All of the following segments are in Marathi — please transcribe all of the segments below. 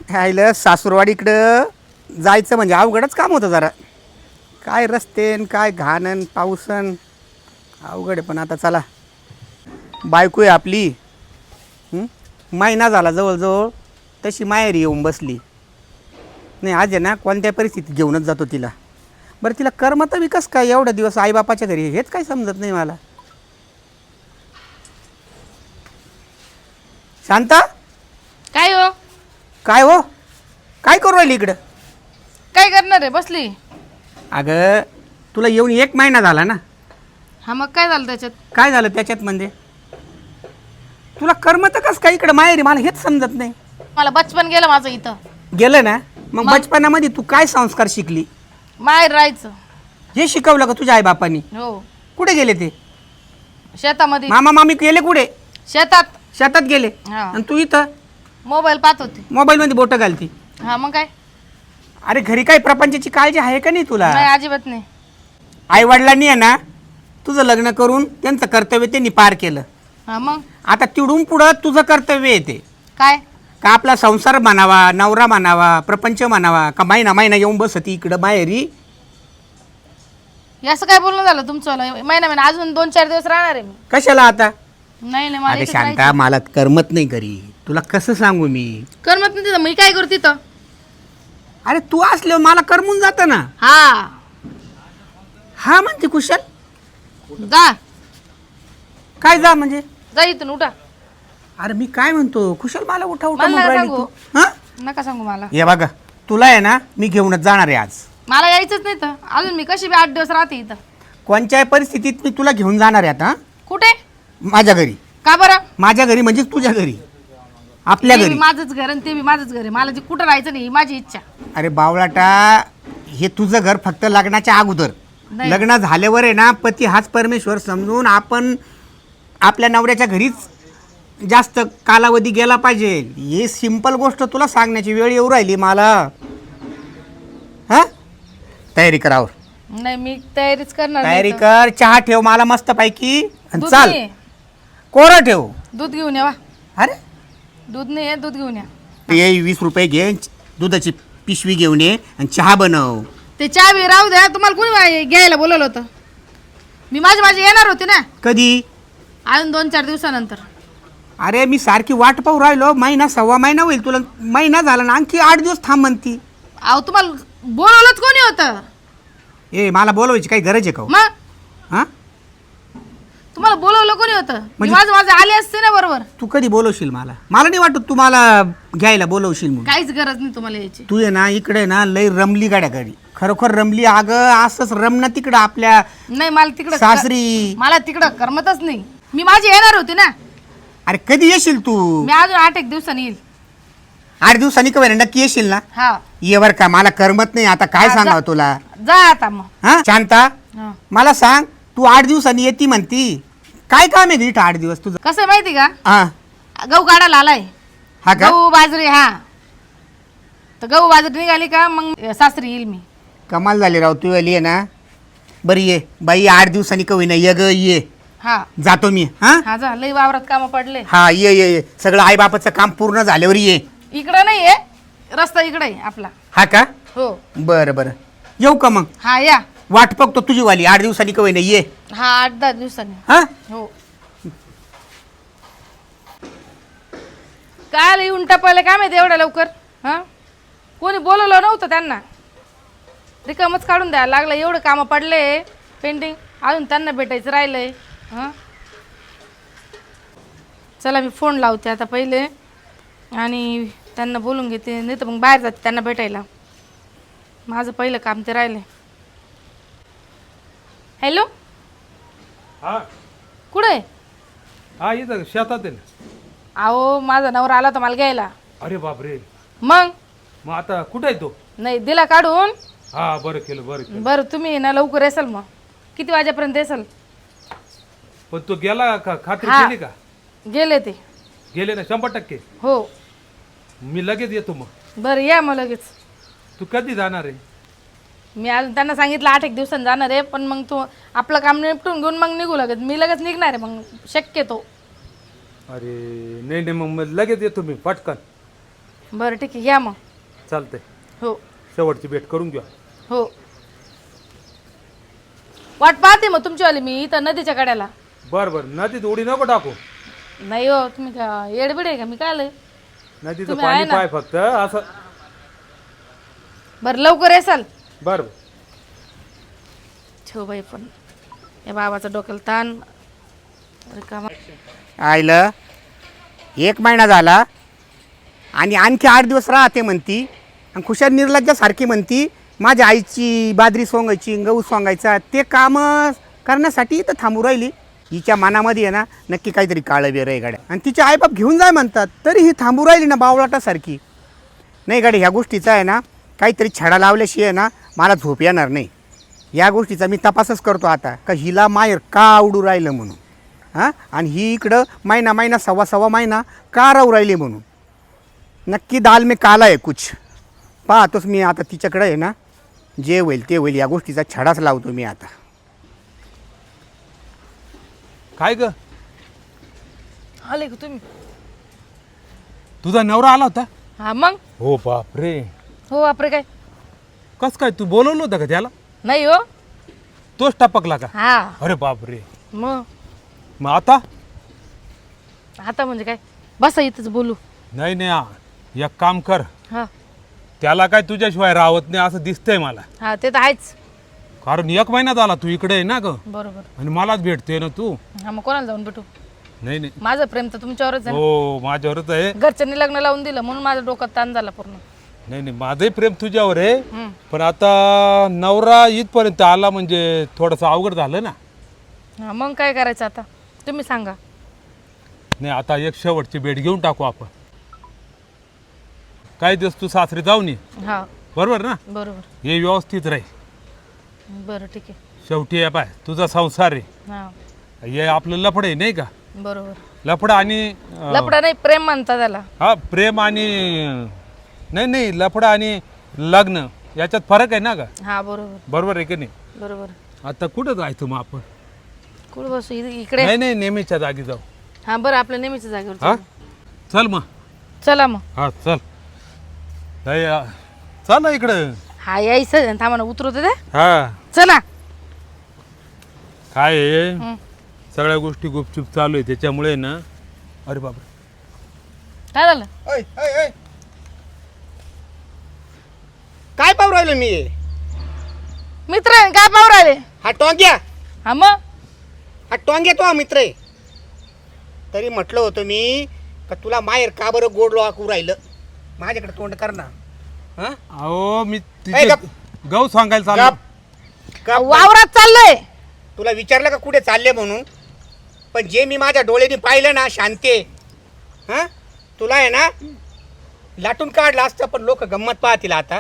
ह्याला सासूरवाडीकडं जायचं म्हणजे अवघडच काम होतं जरा. काय रस्ते न काय घाणन पाऊसन अवघड आहे. पण आता चला, बायको आहे आपली. महिना झाला जवळजवळ, तशी माहेरी येऊन बसली नाही. आज आहे ना कोणत्या परिस्थितीत घेऊनच जातो तिला. बरं तिला करमत विकास काय एवढा दिवस आईबापाच्या घरी, हेच काय समजत नाही मला. शांता, काय हो? काय हो, काय करू राहिली इकडं? काय करणार आहे? बसली. अगं तुला येऊन 1 महिना झाला ना. हा मग काय झालं त्याच्यात? काय झालं त्याच्यात म्हणजे? तुला करमत कस काय इकडं माहेरी, मला हेच समजत नाही. मला बचपन गेलं माझं इथं. गेलं ना, मग बचपनामध्ये तू काय संस्कार शिकली? माहेर राहायचं. हे शिकवलं का तुझ्या आईबापांनी? हो. कुठे गेले ते? शेतामध्ये. मामा मामी गेले कुठे? शेतात. शेतात गेले. हा. आणि तू इथं मोबाईल पाहत होते. मोबाईलमध्ये बोटं घालती. हा मग काय? अरे घरी काय प्रपंचाची काळजी आहे का नाही तुला? नाही, अजिबात नाही. आई वडिलांनी आहे ना तुझं लग्न करून त्यांचं कर्तव्य त्यांनी पार केलं. हा मग आता तिडून पुढं तुझं कर्तव्य येते काय? का आपला संसार म्हणावा, नवरा म्हणावा, प्रपंच म्हणावा, का महिना महिना येऊन बसती इकडं माहेरी. हे असं काय बोलणं झालं तुमचं? महिना अजून 2-4 दिवस राहणार आहे मी. कशाला आता? नाही नाही, मला अरे इथंच शांता, राहायचं. मला करमत नाही घरी. तुला कसं सांगू मी? करमत नाही तिथं, मी काय करू तिथं? अरे तू असल्यावर मला करमून जातं ना. हा हा म्हणते कुशल. जा काय जा म्हणजे? जा इथून, उठा. अरे मी काय म्हणतो कुशल, मला उठा उठा मला म्हणून नका राहिली सांगू. तू. हा नका सांगू मला. हे बघा, तुला आहे ना मी घेऊनच जाणार आहे आज. मला यायचंच नाही तर. अजून मी कशी बी 8 दिवस राहते इथं. कोणत्याही परिस्थितीत मी तुला घेऊन जाणार आहे आता. कुठे? माझ्या घरी. का बरं? माझ्या घरी म्हणजे तुझ्या घरी, आपल्या ते बी घरी. माझंच घर आणि ते बी माझंच घर आहे. मला जे कुठं राहायचं नाही ही माझी इच्छा. अरे बावळाटा, हे तुझं घर फक्त लग्नाच्या अगोदर. नाही. लग्न झाल्यावर आहे ना पती हाच परमेश्वर समजून आपण आपल्या नवऱ्याच्या घरीच जास्त कालावधी गेला पाहिजे. ही सिंपल गोष्ट तुला सांगण्याची वेळ येऊ राहिली मला. हा, तयारी करावर. नाही, मी तयारीच करणार तयारी नाही कर, चहा ठेव मला मस्त पैकी तर. आणि दूध चाल. नाही. कोरं ठेव. दूध घेऊन या. वा. अरे दूध नाही आहे, दूध घेऊन या. ते 20 रुपये घे, दुधाची पिशवी घेऊन ये आणि चहा बनव. ते चहा बी राहू द्या. तुम्हाला कोणी घ्यायला बोलवलं होतं? मी माझे येणार होते ना कधी? अजून 2-4 दिवसानंतर. अरे मी सारखी वाट पाहू राहिलो. महिना सव्वा महिना होईल, तुला महिना झाला ना, आणखी 8 दिवस थांब म्हणती. अहो तुम्हाला बोलवलंच कोणी होतं? ए मला बोलवायची काही गरज आहे का? मग हा, तुम्हाला बोलवलं कोणी होतं? मी म्हणजे- माझे आले असते ना बरोबर. तू कधी बोलवशील मला? मला नाही वाटत तू मला घ्यायला बोलवशील म्हणून. काहीच गरज नाही तुम्हाला यायची. तू आहे ना इकडे ना लय रमली गाड्या गाडी, खरोखर रमली. अगं असंच रमणं तिकडं आपल्या नाही, मला तिकडं सासरी. मला तिकडं करमतच नाही. मी माझी येणार होते ना. अरे कधी येशील तू? मी अजून 8-1 दिवसांनी येईल. 8 दिवसांनी का बरं, नक्की येशील ना? हा ये बर का, मला करमत नाही आता. काय हा, सांगावं तुला? जा आता मग. हा शांता, हा. मला सांग, तू 8 दिवसांनी येती म्हणती, काय काम आहे इथं 8 दिवस तुझं? कसं आहे माहिती का? हा गहू काढायला आलाय. हा का? गहू बाजरी. हा तर गहू बाजरी निघाली का मग सासरी येईल मी. कमाल झाली राव तू आली आहे ना. बरी ये बाई, 8 दिवसांनी कवी ना, ये ग ये. हा जातो मी. हा हा जा. लई वावरात कामं पडले. हा, ये ये ये. सगळं आईबापाचं काम पूर्ण झाल्यावर ये. इकडं नाही आहे, रस्ता इकडे आहे आपला. हा का? हो. बरं बरं, येऊ का मग? हा या. वाट बघतो तुझी वाली. 8 दिवसांनी कवी ना ये. हा 8-10 दिवसांनी. हा हो. काय येऊन टपायला काय माहिती एवढ्या लवकर? हा, कोणी बोलवलं नव्हतं त्यांना. रिकामच काढून द्यायला लागलं. एवढं कामं पडले पेंटिंग, अजून त्यांना भेटायचं राहिलंय. हां चला, मी फोन लावते आता पहिले आणि त्यांना बोलून घेते. नाही तर मग बाहेर जाते त्यांना भेटायला. माझं पहिलं काम ते राहिलंय. हॅलो, हा कुठं आहे? हा, इथं शेतात आहे ना. अहो माझा नवरा आला होता मला घ्यायला. अरे बापरे, मग मग आता कुठं आहे तो? नाही दिला काढून. हा, बरं केलं बरं केलं. बरं तुम्ही ना लवकर येसाल. मग किती वाजेपर्यंत येसाल? पण तो गेला का? खात्री हा. केली का? गेले ते. गेले ना 100%. हो. मी लगेच येतो. मग बरं या मग लगेच. तू कधी जाणार आहे? मी अजून त्यांना सांगितलं 8-1 दिवसांनी जाणार आहे. पण मग तू आपलं काम निपटून घेऊन मग निघू लगेच. मी लगेच निघणार आहे मग शक्यतो. अरे नाही नाही, मग लगेच येतो मी पटकन. बरं ठीक आहे या मग. चालतंय. हो शेवटची भेट करून घेऊ. हो वाट पाहते मग तुमचीवाली मी इथं नदीच्या कड्याला. बरं बरं, नदीत उडी नको टाकू. नाही हो तुम्ही का येडबिड आहे का मी काय आलंय. नदीचं तुम्ही आहे पाणी ना? पाय फक्त असं. बरं लवकर येसाल. बरं बरं. ठेव बाई पण या बाबाचा डोक्याला ताण. रिकामा. आईलं 1 महिना झाला आणि आणखी 8 दिवस राहते म्हणती आणि खुशाल निर्लज्जासारखी म्हणती माझ्या आईची बाजरी सोंगायची गहू सोंगायचा ते काम करण्यासाठी इथं थांबू राहिली. हिच्या मनामध्ये आहे ना नक्की काहीतरी काळं बेर आहे गाड्या. आणि तिचे आईबाप घेऊन जाय म्हणतात तरी ही थांबू राहिली ना बावळाटासारखी. नाही गाडी ह्या गोष्टीचा आहे ना काहीतरी छडा लावल्याशिवाय ना मला झोप येणार नाही. या गोष्टीचा मी तपासच करतो आता का हिला माहेर का आवडू राहिलं म्हणून. हां आणि ही इकडं महिना सव्वा महिना का राहू राहिली म्हणून. नक्की दाल मी काला आहे कुछ पाहतोच मी आता तिच्याकडे आहे ना जे होईल ते होईल. या गोष्टीचा छडाच लावतो मी आता. काय ग, आले का तुम्ही. तुझा नवरा आला होता? हा मग. हो बापरे. हो बापरे काय. कस काय तू बोलवलं होतं का त्याला? नाही हो. तोच टपकला का? हा अरे बापरे. मग मग आता? आता म्हणजे काय बसा इथंच बोलू. नाही नाही, एक काम कर, हा त्याला काय तुझ्याशिवाय राहत नाही असं दिसतंय मला. हा ते तर आहेच. कारण 1 महिना झाला तू इकडे आहे ना ग, बरोबर. आणि मलाच भेटते ना तू. हा मग कोणाला जाऊन भेटू. नाही नाही. माझं प्रेम तर तुमच्यावरच आहे. हो माझ्यावरच आहे. घरच्यांनी लग्न लावून दिलं म्हणून माझं डोक्यात ताण झाला पूर्ण. नाही नाही, माझंही प्रेम तुझ्यावर आहे. हम्म. पण आता नवरा इथपर्यंत आला म्हणजे थोडंसं अवघड झालं ना. हा मग काय करायचं आता तुम्ही सांगा. नाही आता एक शेवटची भेट घेऊन टाकू आपण. काही दिवस तू सासरी जाऊन ये, हा बरोबर ना. बरोबर. हे व्यवस्थित राही. बरं ठीक आहे. शेवटी आहे पाय तुझा संसार आहे. हा हे आपलं लफड आहे नाही का. बरोबर. लफड आणि लपडा नाही प्रेम म्हणता त्याला. हा प्रेम आणि नाही नाही, लफडा आणि लग्न याच्यात फरक आहे ना का. हा बरोबर. बरोबर आहे की नाही. बरोबर. आता कुठं जायचं मग आपण? कुठं बसू इकडे. नाही नाही, नेहमीच्या जागी जाऊ. हा बरं आपल्या नेहमीच्या जागेवर हा चला. चल मग. चला मग. हा चल. नाही, चल ना इकडं. हा यायचं थांबा ना उतरवते ते. हा चला. काय आहे, हं. सगळ्या गोष्टी गुपचूप चालू आहे त्याच्यामुळे ना. अरे बाबा काय झालं. काय पाहू राहिलो मी. मित्र आहे, काय पाहू राहिले. हा टोंग्या हा मग हा टोंग्या तो हा मित्र आहे. तरी म्हटलं होतं मी का तुला माहेर का बरं गोड लोकू राहिलं. माझ्याकडे तोंड कर ना. हां अहो मी ए, तिथे गप. गहू सांगायला गप. चाललो. गप. वावरात चाललोय. तुला विचारलं का कुठे चालले म्हणून. पण जे मी माझ्या डोळ्यांनी पाहिलं ना शांते, हां तुला आहे ना लाटून काढलं असतं. पण लोक गंमत पाहतील आता.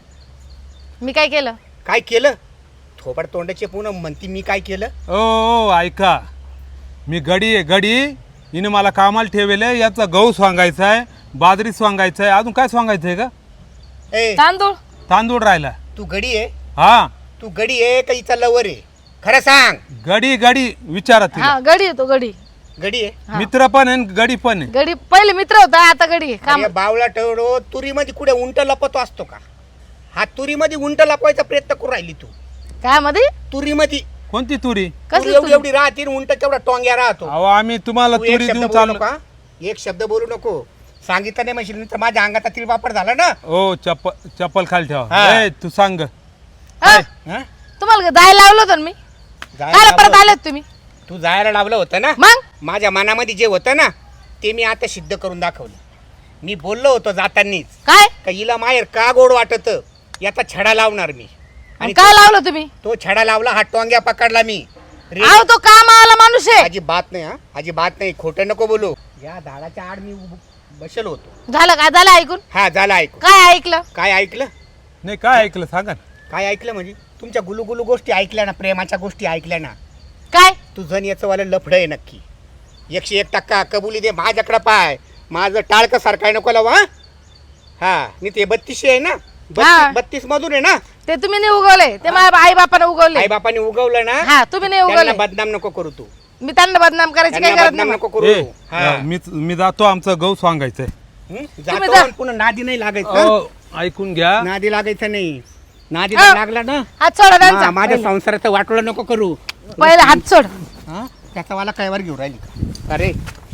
मी काय केलं. काय केलं. थोबड तोंडाचे पूनम म्हणती मी काय केलं. ओ ऐका, मी गडी आहे गडी. हिने मला कामाला ठेवले. याचा गहू सांगायचा आहे, बाजरी सांगायचं आहे, अजून काय सांगायचं आहे का. ए तांदूळ. तांदूळ राहिला. तू गडी आहे. हा तू गडी आहे का हिचा लवर आहे. खरं सांग. गडी गडी विचारा तिला. हा गडी येतो गडी. गडी आहे. हा. मित्र पण आहे आणि गडी पण आहे. गडी पहिले मित्र होता आता गडी आहे. काम अरे बावला टवडो तुरीमध्ये कुठे उंट लपतो असतो का. हा तुरीमध्ये उंट लपवायचा प्रयत्न करू राहिली तू. काय मध्ये तुरीमध्ये कोणती तुरी? कसली एवढी तुरी? एवढी राहते आणि उंट केवढा टोंग्या राहतो. अहो आम्ही तुम्हाला तू एक तुरी शब्द देऊन बोलू चाललो. नका. एक शब्द बोलू नको. सांगितलं नाही म्हणशील तर माझ्या अंगात तिळ वापर झाला ना. ओ चप्पल खाली ठेवा. हा. ए, तू सांग. हा? हं? तुम्हाला जायला लावलं होतं ना मी. जायला काय परत लावलं- आलेत तुम्ही. तू जायला लावलं होतं ना. मग माझ्या मनामध्ये जे होतं ना ते मी आता सिद्ध करून दाखवलं. मी बोललो होतो जातानीच काय का हिला माहेर का गोड वाटत याचा छडा लावणार मी. आणि काय लावलं तुम्ही. तो छडा लावला. हा टोंग्या पकडला मी. अहो तो कामाला माणूस आहे. अजिबात नाही. हा अजिबात नाही. खोटं नको बोलू. या झाडाच्या आड मी बसलो होतो. झालं काय झालं ऐकून. हा झालं ऐकू. काय ऐकलं. काय ऐकलं. नाही काय ऐकलं सांगा ना. काय ऐकलं म्हणजे तुमच्या गुलुगुलू गोष्टी ऐकल्या ना. प्रेमाच्या गोष्टी ऐकल्या ना. काय तुझं याचं वालं लफडं आहे नक्की. 101% कबुली दे. माझ्याकडं पाय. माझं टाळकं सारखं आहे नको लावा. हा मी ते 32 आहे ना. हा. 32 मधून आहे ना. ते तुम्ही नाही उगवले ते माझ्या आई बापाने उगवले. आई बापाने उगवलं ना. हा तुम्ही नाही त्यांना उगवले. बदनाम नको करू तू. मी त्यांना बदनाम करायची काही त्यांना गरज बदनाम नाही. नको करू. ए, हा. मी जातो. आमचं गहू सांगायचंय. जातो जा. आणि पुन्हा नादी नाही लागायचं अहो, ऐकून घ्या नादी लागायचं नाही नादी हा. लागला ना हात सोडा त्यांचा हा, माझ्या संसाराचं वाटोळं नको करू पहिले हात सोड हा त्याचा वाला काय वर घेऊन राहिली का अरे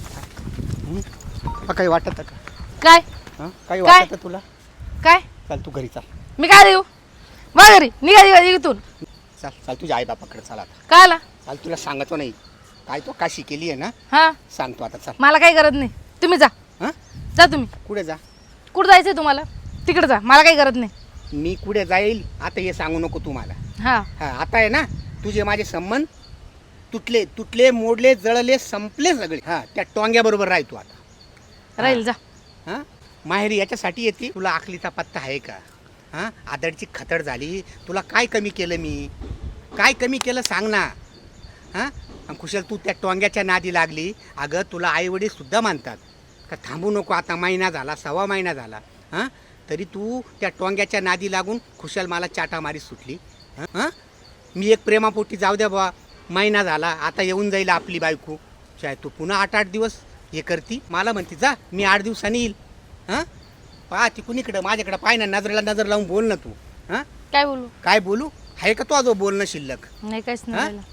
काही वाटत का काय हा काही काय? वाटत तुला काय चल तू घरी चाल मी काय देऊ वा घरी निघा इथून चाल चाल तुझ्या आई बापाकडे चाल आता काय आला चाल तुला सांगतो नाही काय तो काशी केली आहे ना हा सांगतो आता चाल मला काही गरज नाही तुम्ही जा हा जा तुम्ही कुठे जा कुठं जायचंय तुम्हाला तिकडे जा मला काही गरज नाही मी कुठे जाईल आता हे सांगू नको तू मला हा हा आता आहे ना तुझे माझे संबंध तुटले तुटले मोडले जळले संपले सगळे हा त्या टोंग्या बरोबर राह तू आता राहील जा हा माहेरी याच्यासाठी येते तुला आखलीचा पत्ता आहे का हा आदडची खतड झाली तुला काय कमी केलं मी काय कमी केलं सांग ना हां आणि कुशल तू त्या टोंग्याच्या नादी लागली अगं तुला आईवडील सुद्धा मानतात का थांबू नको आता महिना झाला 1.25 महिना झाला हां तरी तू त्या टोंग्याच्या नादी लागून खुशाल मला चाटामारी सुटली हां मी एक प्रेमापोटी जाऊ द्या बा महिना झाला आता येऊन जाईल आपली बायको चाहे तू पुन्हा 8-8 दिवस हे करती मला म्हणते जा मी 8 दिवसांनी येईल हां पहा ती कुणीकडं माझ्याकडं पाय ना नजरेला नजर लावून बोल ना तू हां काय बोलू काय बोलू आहे का तो जो बोलणं शिल्लक नाही काहीच हा? नाही राहिलं.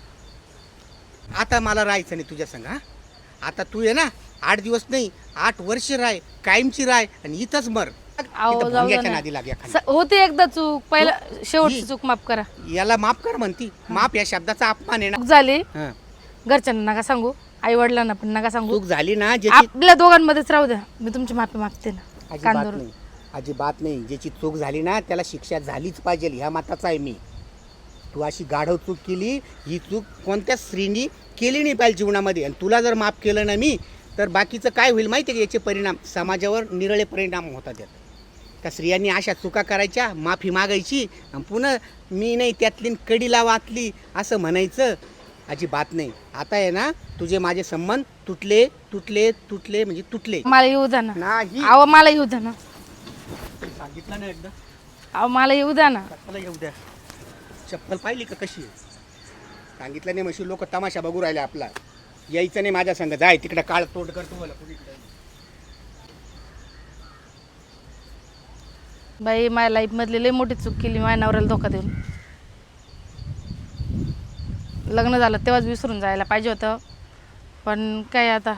आता मला राहायचं नाही तुझ्या संग हां आता तू ये ना 8 दिवस नाही 8 वर्ष राय कायमची राय आणि इथंच मर अहो, इथं जाऊ दे भोंग्याच्या ना. नादी लाग एखादी. होती एकदा चूक पहिला शेवटची ही- चूक माफ करा याला माफ कर म्हणती माफ या शब्दाचा अपमान आहे ना चूक झाली हां. घरच्यांना नका सांगू आई वडिलांना पण नका सांगू चूक झाली ना ज्याची आपल्या दोघांमध्येच राहू द्या मी तुमची माफी मागते ना अजिबात कांदोर नाही अजिबात नाही ज्याची चूक झाली ना त्याला शिक्षा झालीच पाहिजे ह्या मताचा आहे मी तू अशी गाढव चूक केली ही चूक कोणत्या स्त्रीनी केली नाही पाहिजे जीवनामध्ये आणि तुला जर माफ केलं ना मी तर बाकीचं काय होईल माहिती आहे का याचे परिणाम समाजावर निरळे परिणाम होतात त्यात त्या स्त्रियांनी अशा चुका करायच्या माफी मागायची आणि पुन्हा मी नाही त्यातली कडीला वाचली असं म्हणायचं अजिबात नाही आता आहे ना तुझे माझे संबंध तुटले तुटले तुटले म्हणजे तुटले मला येऊ द्या ना नाही अहो मला येऊ द्या ना सांगितलं ना एकदा अहो मला येऊ द्या ना चप्पल येऊ द्या चप्पल पाहिली का कशी आहे सांगितलं नाही म्हशी लोक तमाशा बघू राहिले आपला यायचं नाही माझ्या संग जाय तिकडे काळ तोड करतो मला कुणीकडे बाई माझ्या लाईफमधली लई मोठी चूक केली माझ्या नवऱ्याला धोका देऊन लग्न झालं तेव्हाच विसरून जायला पाहिजे होतं पण काय आता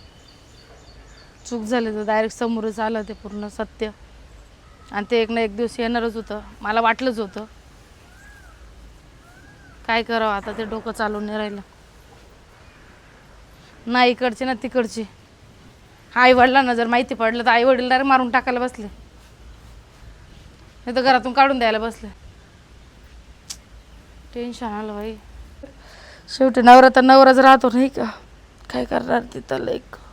चूक झाली तर डायरेक्ट समोरच आलं ते पूर्ण सत्य आणि ते एक ना एक दिवस येणारच होतं मला वाटलंच होतं काय करावं आता ते डोकं चालून नाही राहिलं ना इकडची ना तिकडची आई वडिलांना जर माहिती पडलं तर आई वडील डायरेक्ट मारून टाकायला बसले नाही तर घरातून काढून द्यायला बसले टेन्शन आलं बाई शेवटी नवरा तर नवराच राहतो नाही का काय करणार तिथं लाईक